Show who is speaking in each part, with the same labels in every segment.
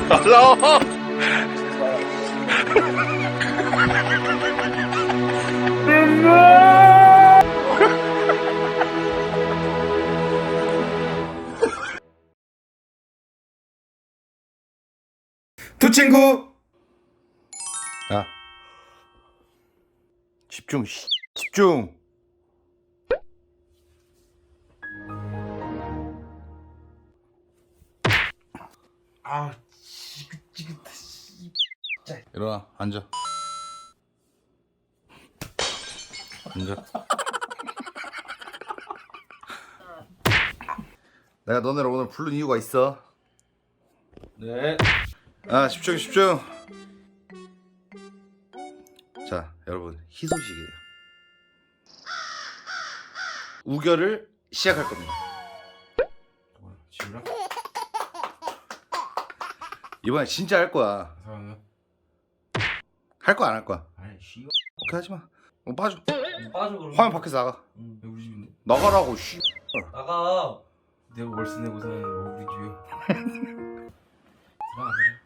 Speaker 1: 가자.
Speaker 2: 두 친구. 야, 집중. 집중.
Speaker 3: 아, 지긋지긋해. 씨.
Speaker 2: 일어나. 앉아. 앉아. 내가 너네를 오늘 부른 이유가 있어.
Speaker 3: 네.
Speaker 2: 아, 집중. 자, 여러분, 희소식이에요. 우결을 시작할 겁니다.
Speaker 3: 지우라?
Speaker 2: 이번에 진짜 할 거야.
Speaker 3: 사랑해.
Speaker 2: 할 거야, 안 할 거야?
Speaker 3: 아이, 씨.
Speaker 2: 오케이, 하지 마. 빠져.
Speaker 3: 빠져 그럼.
Speaker 2: 화면 밖에서 나가.
Speaker 3: 응. 우리 집인데.
Speaker 2: 나가라고. 씨.
Speaker 3: 나가. 내가 월세 내고 사는 우리 집이야. 들어가 그래.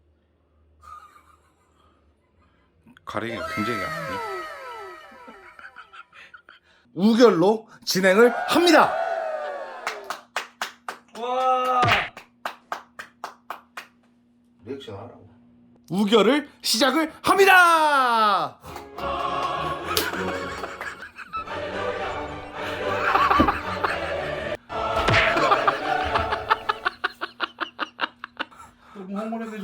Speaker 2: 가리기가 굉장히 약하네. 우결로 진행을 합니다.
Speaker 3: 와.
Speaker 2: 리액션 하라고. 우결을 시작을 합니다.
Speaker 3: 너무 황홀해가지고.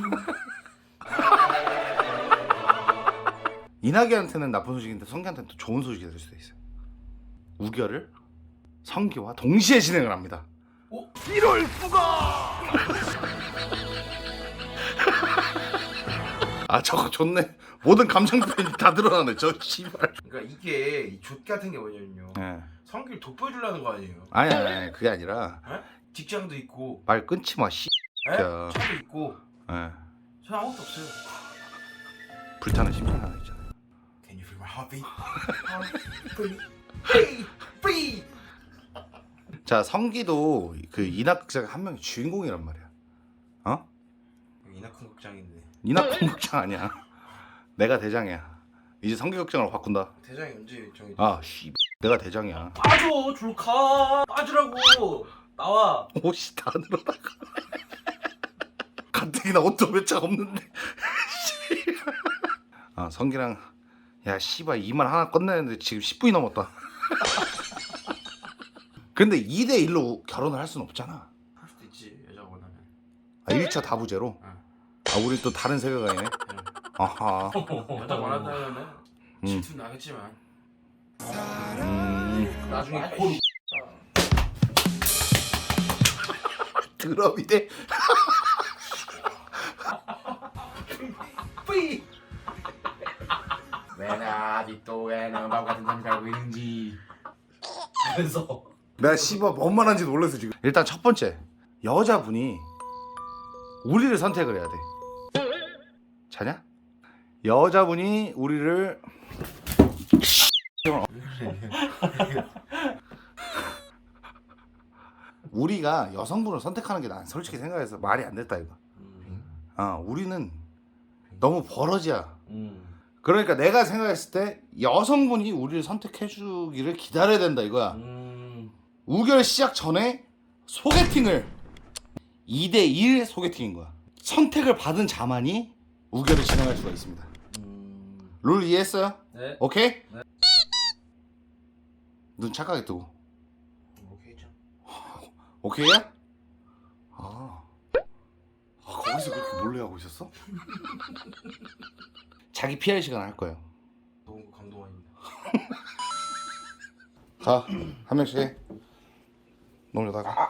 Speaker 2: 이낙연한테는 나쁜 소식인데 성기한테는 또 좋은 소식이 될 수도 있어요. 우결을 성기와 동시에 진행을 합니다.
Speaker 3: 어?
Speaker 2: 이럴 수가! 아, 저거 좋네. 모든 감정 표현이 다 드러나네. 저 씨발.
Speaker 3: 그러니까 이게 이 족 같은 게 뭐냐면요.
Speaker 2: 예.
Speaker 3: 성기를 돋보여주려는 거 아니에요.
Speaker 2: 아니, 그게 아니라
Speaker 3: 에? 직장도 있고,
Speaker 2: 말 끊지 마. 씨.
Speaker 3: 에?
Speaker 2: 야.
Speaker 3: 차도 있고,
Speaker 2: 예.
Speaker 3: 저는 아무것도 없어요.
Speaker 2: 불타는 심장 하나 있잖아요.
Speaker 3: Can you feel my heartbeat? Free, free.
Speaker 2: 자, 성기도 그 이낙극장 한 명이 주인공이란 말이야. 어?
Speaker 3: 이낙훈 극장인데
Speaker 2: 이낙극 극장 아니야. 내가 대장이야. 이제 성기 극장으로 바꾼다.
Speaker 3: 대장이 언제 정해?
Speaker 2: 아, 씨. 내가 대장이야.
Speaker 3: 빠져, 줄가 빠지라고. 나와.
Speaker 2: 옷이 다 늘어나가. 가뜩이나 옷도 몇 장 없는데. 아, 성기랑 야, 씨발 이만 하나 끝내는데 지금 10분이 넘었다. 근데 2대1로 결혼을 할 수는 없잖아.
Speaker 3: 할 수도 있지, 여자가 원하면.
Speaker 2: 아, 1차 다부제로?
Speaker 3: 응.
Speaker 2: 아, 우리 또 다른 세계관이네. 아하.
Speaker 3: 여자 원한다면은 질투 나겠지만 나중에 고루
Speaker 2: 드럼이네.
Speaker 3: 뿌이. 왜 아직도 왜는 밥 같은 삶 살고 있는지 그래서
Speaker 2: 내가 씨발 뭔 말한지 놀랐어 지금. 일단 첫 번째, 여자분이 우리를 선택을 해야 돼. 자냐? 여자분이 우리를 우리가 여성분을 선택하는 게 난 솔직히 생각해서 말이 안 됐다 이거. 우리는 너무 버러지야. 그러니까 내가 생각했을 때 여성분이 우리를 선택해주기를 기다려야 된다 이거야. 우결 시작 전에 소개팅을 2대1 소개팅인 거야. 선택을 받은 자만이 우결을 진행할 수가 있습니다. 룰 이해했어요?
Speaker 3: 네.
Speaker 2: 오케이?
Speaker 3: 네.
Speaker 2: 눈 착하게 뜨고.
Speaker 3: 오케이죠.
Speaker 2: 오케이야? 거기서 그렇게 몰래 하고 있었어? 자기 PR 시간 할 거예요.
Speaker 3: 너무 감동합니다.
Speaker 2: 가, 한 명씩 해. 놀려다가.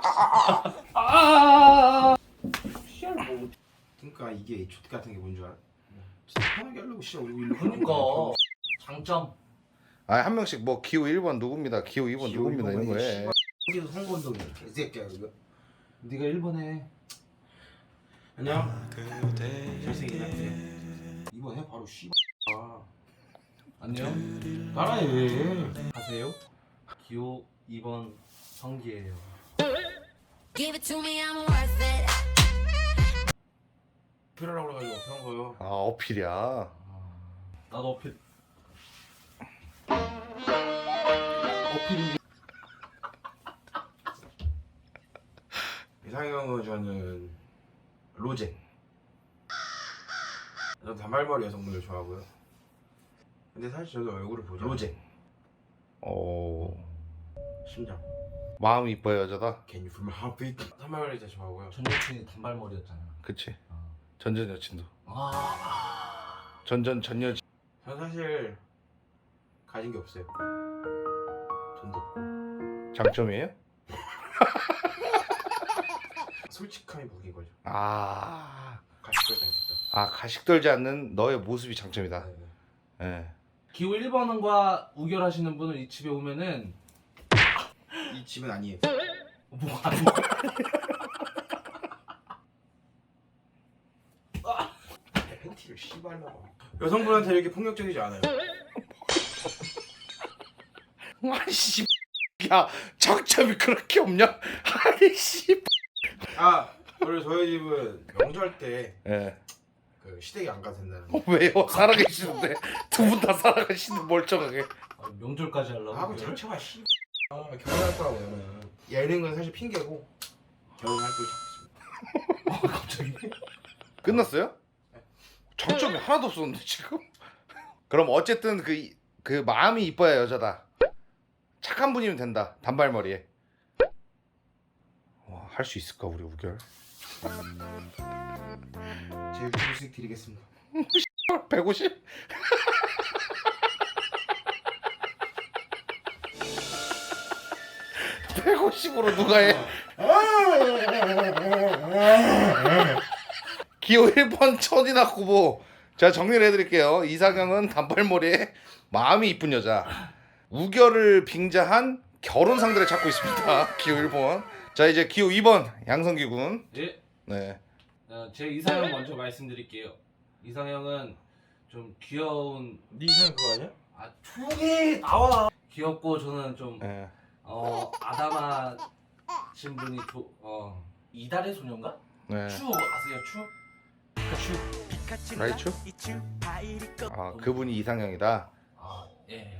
Speaker 3: 그러니까 이게 족 같은 게 뭔 줄 알아? 진짜 편하게 하려고 진짜 우리 일로
Speaker 4: 그러니까 장점.
Speaker 2: 한 명씩 뭐 기호 1번 누굽니다. 기호 2번 누굽니다. 이런 거 해.
Speaker 3: 여기서 선거운동이야 개새끼야 그거. 네가 1번 해. 안녕. 잘생긴 남자. 2번 해 바로 씨. 안녕. 따라해.
Speaker 4: 하세요. 기호 2번 성기예요.
Speaker 5: Give it to me, I'm worth it.
Speaker 3: 어필하라고 그래가지고 어필한 거예요.
Speaker 2: 아 어필이야.
Speaker 4: 나도 어필.
Speaker 3: 어필이. 이상형은 저는 로제. 저는 단발머리 여성분을 좋아하고요. 근데 사실 저도 얼굴을 보죠. 로제.
Speaker 2: 오
Speaker 3: 심장.
Speaker 2: 마음이 이뻐요 여자다.
Speaker 3: Can you feel my heartbeat? 단발머리 진짜 좋아하고요.
Speaker 4: 전 여친이 단발머리였잖아.
Speaker 2: 그치. 전전 여친도.
Speaker 4: 아.
Speaker 2: 전전 전 여친.
Speaker 3: 저는 사실 가진 게 없어요. 돈도 없고.
Speaker 2: 장점이에요?
Speaker 3: 솔직함이 무기인 거죠.
Speaker 2: 아,
Speaker 3: 가식적이지 않겠다.
Speaker 2: 아 가식 떨지 않는 너의 모습이 장점이다.
Speaker 3: 네.
Speaker 2: 예.
Speaker 4: 기호 1번과 우결하시는 분은 이 집에 오면은
Speaker 3: 이 집은 아니에요.
Speaker 4: 뭐 아니?
Speaker 3: 팬티를 씨발라고. 여성분한테 이렇게 폭력적이지 않아요.
Speaker 2: 아이씨, 야 장점이 그렇게 없냐? 아이씨.
Speaker 3: 아, 원래 저희 집은 명절 때
Speaker 2: 예.
Speaker 3: 그 시댁이 안 가도 된다는.
Speaker 2: 왜요? 살아계시는데 두 분 다 살아계시는 멀쩡하게.
Speaker 4: 아, 명절까지 하려고?
Speaker 3: 하고 장쳐봐 씨. 아, 결혼할 거라고 그러면. 이런 건 사실 핑계고 결혼할 걸 찾고 있습니다.
Speaker 4: 갑자기?
Speaker 2: 끝났어요? 장점이 하나도 없었는데 지금. 그럼 어쨌든 그 마음이 이뻐야 여자다. 착한 분이면 된다. 단발머리에. 할 수 있을까 우리 우결?
Speaker 3: 제 유튜브 수익 드리겠습니다.
Speaker 2: 150? (150으로) 누가 해? 기호 1번 천이나 후보. 자 정리를 해드릴게요. 이상형은 단발머리에 마음이 이쁜 여자. 우결을 빙자한 결혼 상대를 찾고 있습니다. 기호 1번. 자 이제 기호 2번 양성기 군.
Speaker 4: 예.
Speaker 2: 네.
Speaker 4: 제 이상형 먼저 말씀드릴게요. 이상형은 좀 귀여운.
Speaker 3: 네 이상형 그거 아니야?
Speaker 4: 아 조용히 나와. 귀엽고 저는 좀
Speaker 2: 네.
Speaker 4: 아담하신 분이 이달의 소녀인가?
Speaker 2: 네.
Speaker 4: 추 아세요? 추?
Speaker 2: 라이츄? 아 그분이 이상형이다.
Speaker 4: 아 예.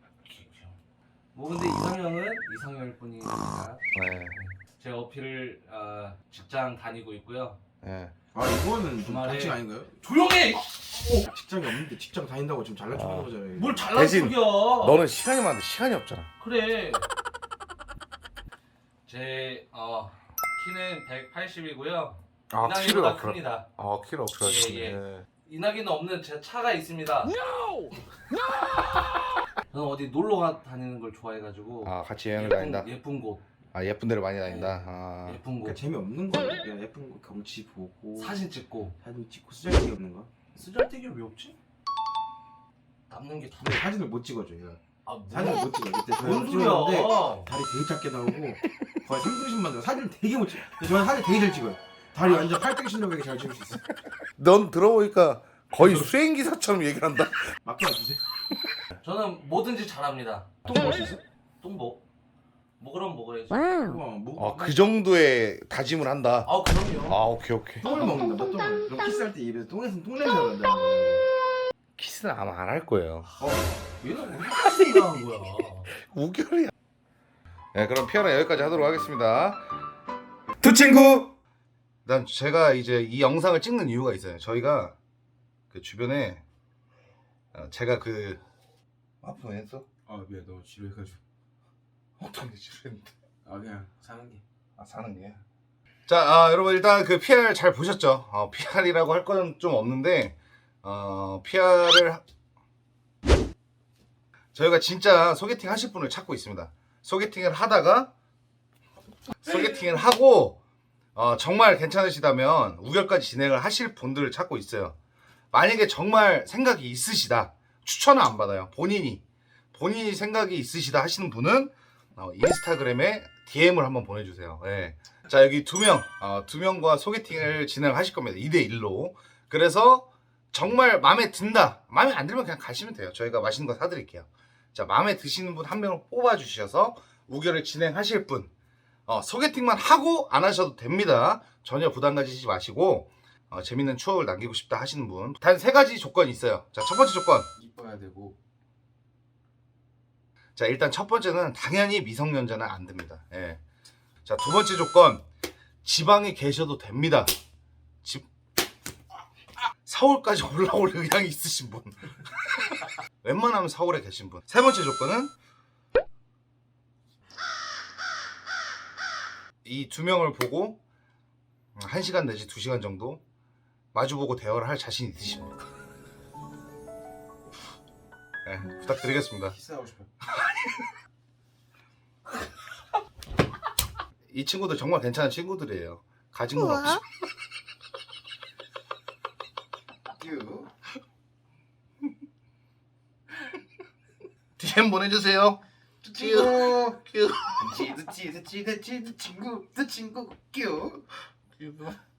Speaker 4: 뭐 근데 이상형은 이상형일 뿐이니까
Speaker 2: 네.
Speaker 4: 제 어필을 직장 다니고 있고요.
Speaker 2: 네.
Speaker 3: 아 이거는 좀
Speaker 4: 주말에-
Speaker 3: 반칙 아닌가요?
Speaker 4: 조용해!
Speaker 3: 직장이 없는데 직장 다닌다고 지금 잘난 척하는 거잖아요.
Speaker 4: 뭘 잘난
Speaker 2: 대신
Speaker 4: 척이야?
Speaker 2: 너는 시간이 많은데 시간이 없잖아.
Speaker 4: 그래. 제 키는 180이고요.
Speaker 2: 아
Speaker 4: 이낙이보다 큽니다.
Speaker 2: 아 키를 어필하시네.
Speaker 4: 예, 예. 이낙이는 없는 제 차가 있습니다. 저는 어디 놀러 다니는 걸 좋아해가지고
Speaker 2: 아 같이 여행을 다닌다.
Speaker 4: 예쁜 곳,
Speaker 2: 아 예쁜 데를 많이 다닌다. 아
Speaker 4: 예쁜 곳
Speaker 3: 그러니까 재미없는 거야. 그냥 예쁜 거 경치 보고
Speaker 4: 사진 찍고.
Speaker 3: 사진 찍고 쓰잘데기 없는 거.
Speaker 4: 쓰잘데기 왜 없지? 남는 게 다.
Speaker 3: 근데 사진을 못 찍어줘요.
Speaker 4: 아 뭐?
Speaker 3: 사진을 못 찍어. 그때 저희
Speaker 4: 뭔
Speaker 3: 찍었는데
Speaker 4: 소리야?
Speaker 3: 다리 되게 작게 나오고 거의 3등신만 나와. 사진 되게 못 찍어. 근데 저는 사진 되게 잘 찍어요. 다리 완전 8등신력에게 잘 찍을 수 있어요.
Speaker 2: 넌 들어보니까 거의 수행 기사처럼 얘기를 한다.
Speaker 3: 맡겨주세요.
Speaker 4: 저는 뭐든지 잘합니다.
Speaker 3: 똥 먹을 수 있어?
Speaker 4: 똥보. 먹으라면 먹어야지.
Speaker 3: 뭐?
Speaker 2: 그 정도의 다짐을 한다.
Speaker 4: 아 그럼요.
Speaker 2: 아 오케이 오케이.
Speaker 3: 똥을 먹는다. 너 똥을. 그럼 키스할 때 입에서 똥에서 똥냄새가 난다는 거야.
Speaker 2: 키스는 아마 안 할 거예요.
Speaker 4: 얘는 왜 생각한 거야?
Speaker 2: 우결이야. 네 그럼 피아노 여기까지 하도록 하겠습니다. 두 친구. 일단 제가 이제 이 영상을 찍는 이유가 있어요. 저희가 그 주변에 제가 그 아프면 했어?
Speaker 3: 아 미안 너무 지루해가지고.
Speaker 2: 어떤 게 지루했는데?
Speaker 3: 아 그냥 사는 게.
Speaker 2: 아 사는 게. 자 여러분 일단 그 PR 잘 보셨죠? PR이라고 할 건 좀 없는데 PR을 저희가 진짜 소개팅 하실 분을 찾고 있습니다. 소개팅을 하다가 소개팅을 하고 정말 괜찮으시다면 우결까지 진행을 하실 분들을 찾고 있어요. 만약에 정말 생각이 있으시다, 추천은 안 받아요. 본인이 생각이 있으시다 하시는 분은 인스타그램에 DM을 한번 보내주세요. 네. 자 여기 두 명과 소개팅을 진행하실 겁니다. 2대1로. 그래서 정말 마음에 든다, 마음에 안 들면 그냥 가시면 돼요. 저희가 맛있는 거 사드릴게요. 자 마음에 드시는 분 한 명을 뽑아주셔서 우결을 진행하실 분, 소개팅만 하고 안 하셔도 됩니다. 전혀 부담 가지지 마시고 재밌는 추억을 남기고 싶다 하시는 분 단 3가지 조건이 있어요. 자, 첫 번째 조건.
Speaker 3: 이뻐야 되고.
Speaker 2: 자, 일단 첫 번째는 당연히 미성년자는 안 됩니다. 예. 자, 두 번째 조건. 지방에 계셔도 됩니다. 서울까지 올라올 의향이 있으신 분. 웬만하면 서울에 계신 분. 세 번째 조건은 이 2명을 보고 1시간 내지 2시간 정도 마주보고 대화를 할 자신 있으신 분. 네, 부탁드리겠습니다.
Speaker 3: 키스하고 싶어.
Speaker 2: 이 친구들 정말 괜찮은 친구들이에요. 가진 건 없어.
Speaker 3: 큐.
Speaker 2: DM 보내주세요.
Speaker 3: 친구.
Speaker 2: 큐.
Speaker 3: 친구. 큐.